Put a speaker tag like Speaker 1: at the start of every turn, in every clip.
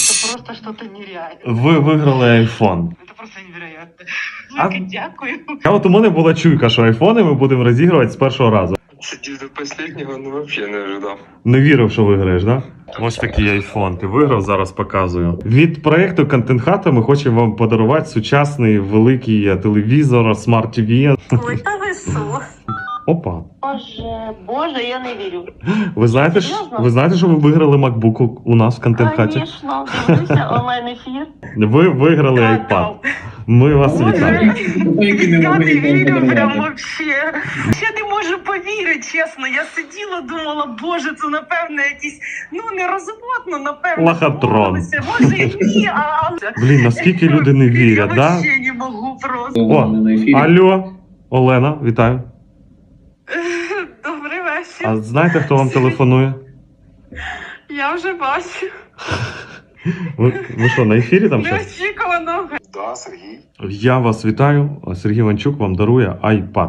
Speaker 1: Это просто что-то нереальное.
Speaker 2: Ви виграли iPhone.
Speaker 1: Это просто невероятно.
Speaker 2: А-
Speaker 1: Жека, дякую.
Speaker 2: А от у мене була чуйка, що айфони ми будемо розігрувати з першого разу.
Speaker 3: Сидів до последнего, ну вообще не ожидав.
Speaker 2: Не вірив, що виграєш, да? Ось такий айфон. Ти виграв, зараз показую. Від проєкту Контент Хата ми хочемо вам подарувати сучасний великий телевізор, Smart TV.
Speaker 1: Ой, та ви що?
Speaker 2: Опа.
Speaker 1: Боже, я не вірю.
Speaker 2: Ви знаєте, що ви виграли MacBook у нас в Контент Хаті?
Speaker 1: Звісно, дивлюся онлайн-ефір.
Speaker 2: Ви виграли iPad. Ми вас вітаємо.
Speaker 1: Я не вірю прям вообще. Я не можу повірити, чесно. Я сиділа, думала, боже, це напевно якісь, ну не розводно, напевно.
Speaker 2: Лохотрон.
Speaker 1: збулося. Може і ні, а...
Speaker 2: Блін, наскільки люди не вірять,
Speaker 1: Я
Speaker 2: да?
Speaker 1: вообще не можу просто.
Speaker 2: О, алло, Олена, вітаю.
Speaker 1: Добрий вечір.
Speaker 2: А знаєте, хто вам телефонує?
Speaker 1: Я вже бачу.
Speaker 2: Ви що, на ефірі там щось?
Speaker 1: Неочікувано.
Speaker 3: Да, Сергій.
Speaker 2: Я вас вітаю. Сергій Іванчук вам дарує iPad.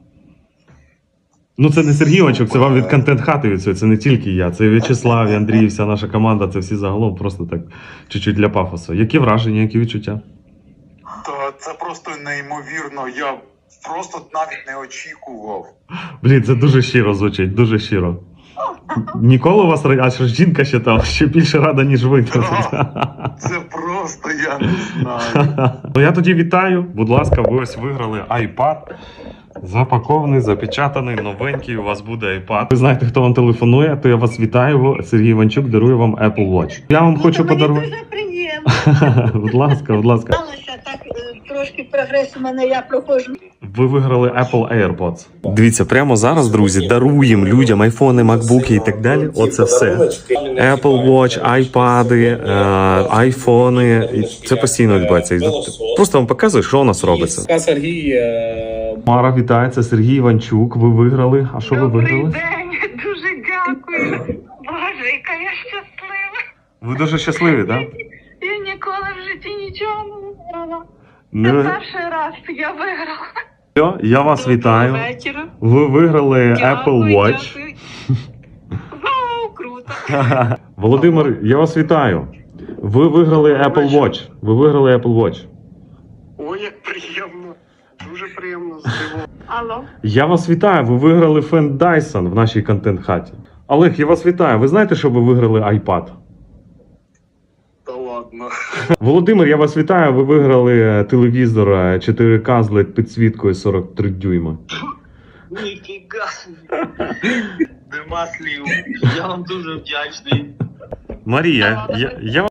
Speaker 2: Ну, це не Сергій Іванчук, це вам від Контент Хати від цього. Це не тільки я. Це і В'ячеслав, і Андрій, і вся наша команда. Це всі загалом просто так чуть-чуть для пафосу. Які враження, які відчуття?
Speaker 4: Та це просто неймовірно. Я просто навіть не очікував.
Speaker 2: Блін, це дуже щиро звучить, дуже щиро. Ніколи у вас аж жінка ще там ще більше рада, ніж ви.
Speaker 4: Це просто я не знаю.
Speaker 2: Ну я тоді вітаю. Будь ласка, ви ось виграли iPad. Запакований, запечатаний, новенький. У вас буде iPad. Ви знаєте, хто вам телефонує, то я вас вітаю. Сергій Іванчук дарує вам Apple Watch. Я вам хочу подарувати.
Speaker 1: Дуже приємно.
Speaker 2: Будь ласка, будь ласка.
Speaker 1: Сталося так, трошки прогрес у мене, я проходжу.
Speaker 2: Ви виграли Apple AirPods. Дивіться, прямо зараз, друзі, даруємо людям айфони, макбуки і так далі. Оце все. Apple Watch, айпади, айфони. І це постійно відбувається. Просто вам показую, що у нас робиться.
Speaker 5: Сергій.
Speaker 2: Мара, вітаю, це Сергій Іванчук. Ви виграли. А що ви виграли?
Speaker 1: Добрий день, дуже дякую. Боже, яка я щаслива.
Speaker 2: Ви дуже щасливі, так? Да?
Speaker 1: Я ніколи в житті нічого не виграла. Це
Speaker 2: Ну,
Speaker 1: перший раз я виграла.
Speaker 2: я вас вітаю.
Speaker 1: Доброго вечора.
Speaker 2: Ви виграли
Speaker 1: Дякую,
Speaker 2: Apple Watch.
Speaker 1: дякую. Вау, круто.
Speaker 2: Володимир, я вас вітаю. Ви виграли Apple Watch. Ви виграли Apple Watch.
Speaker 3: Ой, як приємно. Дуже приємно здивовано.
Speaker 1: Алло.
Speaker 2: Я вас вітаю. Ви виграли фен Dyson в нашій контент-хаті. Олег, я вас вітаю. Ви знаєте, що ви виграли iPad?
Speaker 3: Та ладно.
Speaker 2: Володимир, я вас вітаю. Ви виграли телевізор 4К з LED підсвіткою 43 дюйма.
Speaker 6: Ніфіга. Нема слів. Я вам дуже вдячний.
Speaker 2: Марія, я